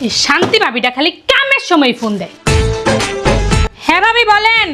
এই শান্তি ভাবিটা খালি কামের সময় ফোন দেয়। হ্যাঁ ভাবি বলেন।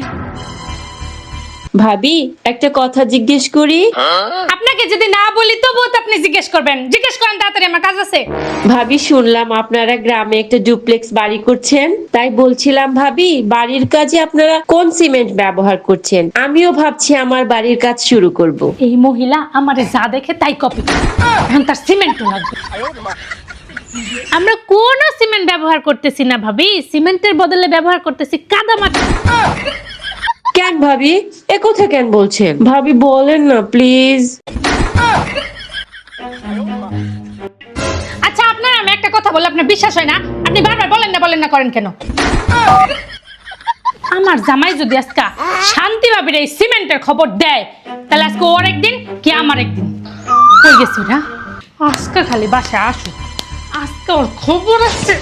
ভাবি একটা কথা জিজ্ঞেস করি। আপনাকে যদি না বলি তবুও তো আপনি জিজ্ঞেস করবেন। জিজ্ঞেস করেন তাড়াতাড়ি, আমার কাজ আছে। ভাবি শুনলাম আপনারা গ্রামে একটা ডুপ্লেক্স বাড়ি করছেন, তাই বলছিলাম ভাবি বাড়ির কাজে আপনারা কোন সিমেন্ট ব্যবহার করছেন? আমিও ভাবছি আমার বাড়ির কাজ শুরু করব। এই মহিলা আমারে যা দেখে তাই কপি করে, এখন তার সিমেন্টও লাগবে। আমরা কোনো সিমেন্ট ব্যবহার করতেছি না ভাবি, সিমেন্টের বদলে ব্যবহার করতেছি কাদামাটি। কেন ভাবি এ কথা কেন বলছেন? ভাবি বলেন না প্লিজ। আচ্ছা আপনার আমি একটা কথা বললে আপনার বিশ্বাস হয় না, আপনি বারবার বলেন না করেন কেন? আমার জামাই যদি আজকে শান্তি ভাবির এই সিমেন্টের খবর দেয়, তাহলে আজকে ওর একদিন কি আমার একদিন। কই গেছি না, আজকে খালি বাসায় আসুক, আজকে ওর খবর আছে।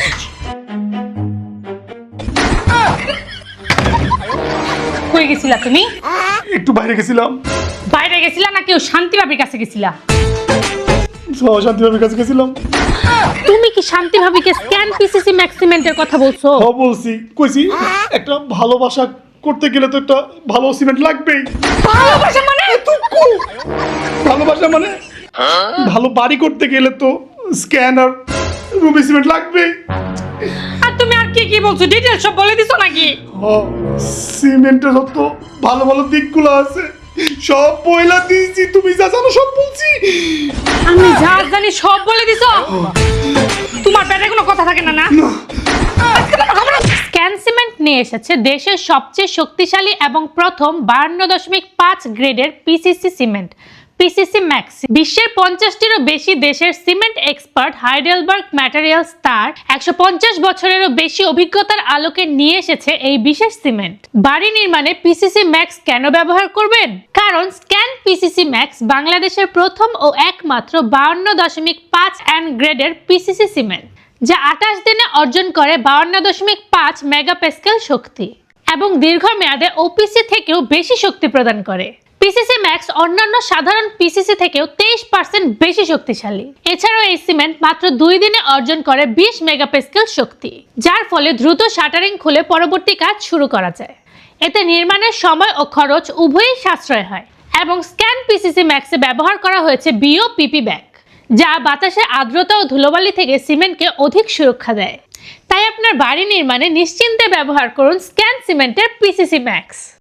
কই গেছিলা তুমি? একটু বাইরে গেছিলাম। বাইরে গেছিলা নাকি ও শান্তি ভাবির কাছে গেছিলা? শান্তি ভাবির কাছে গেছিলাম। তুমি কি শান্তি ভাবিকে স্ক্যান পিসিসি ম্যাক্সিমেন্টের কথা বলছো? হ্যাঁ বলছি, কইছি একটা ভালোবাসা করতে গেলে তো একটা ভালো সিমেন্ট লাগবেই। ভালোবাসা মানে? ভালোবাসা মানে ভালো বাড়ি করতে গেলে তো স্ক্যানার রুবি সিমেন্ট লাগবেই। আর তুমি আর কি বলছো, ডিটেইলস সব বলে দিছো নাকি? সিমেন্টের যত ভালো ভালো দিকগুলো আছে সব বইলা দিয়েছি, তুমি যা জানো সব বলছি। আমি যা জানি সব বলে দিছো। তোমার পেটে কোনো কথা থাকে না না? স্ক্যান সিমেন্ট নিয়ে এসেছে দেশের সবচেয়ে শক্তিশালী এবং প্রথম 52.5 গ্রেডের পিসিসি সিমেন্ট, পিসিসি ম্যাক্স। বিশ্বের 50টিরও বেশি দেশের সিমেন্ট এক্সপার্ট হাইডেলবার্গ ম্যাটেরিয়ালস তার 150 বছরেরও বেশি অভিজ্ঞতার আলোকে নিয়ে এসেছে এই বিশেষ সিমেন্ট। বাড়ি নির্মাণে পিসিসি ম্যাক্স কেন ব্যবহার করবেন? কারণ স্ক্যান পিসিসি ম্যাক্স বাংলাদেশের প্রথম ও একমাত্র 52.5 গ্রেডের পিসিসি সিমেন্ট, যা 28 দিনে অর্জন করে 52.5 মেগাপ্যাসকেল শক্তি এবং দীর্ঘমেয়াদে ওপিসি থেকেও বেশি শক্তি প্রদান করে। পিসিসি ম্যাক্স অন্যান্য সাধারণ পিসিসি থেকেও 23% বেশি শক্তিশালী। এছাড়াও এই সিমেন্ট মাত্র 2 দিনে অর্জন করে 20 মেগাপ্যাসকেল শক্তি, যার ফলে দ্রুত শাটারিং খুলে পরবর্তী কাজ শুরু করা যায়। এতে নির্মাণের সময় ও খরচ উভয়ই সাশ্রয় হয়। এবং স্ক্যান পিসিসি ম্যাক্সে ব্যবহার করা হয়েছে বিওপিপি ব্যাগ, যা বাতাসের আর্দ্রতা ও ধুলোবালি থেকে সিমেন্টকে অধিক সুরক্ষা দেয়। তাই আপনার বাড়ি নির্মাণে নিশ্চিন্তে ব্যবহার করুন স্ক্যান সিমেন্টের পিসিসি ম্যাক্স।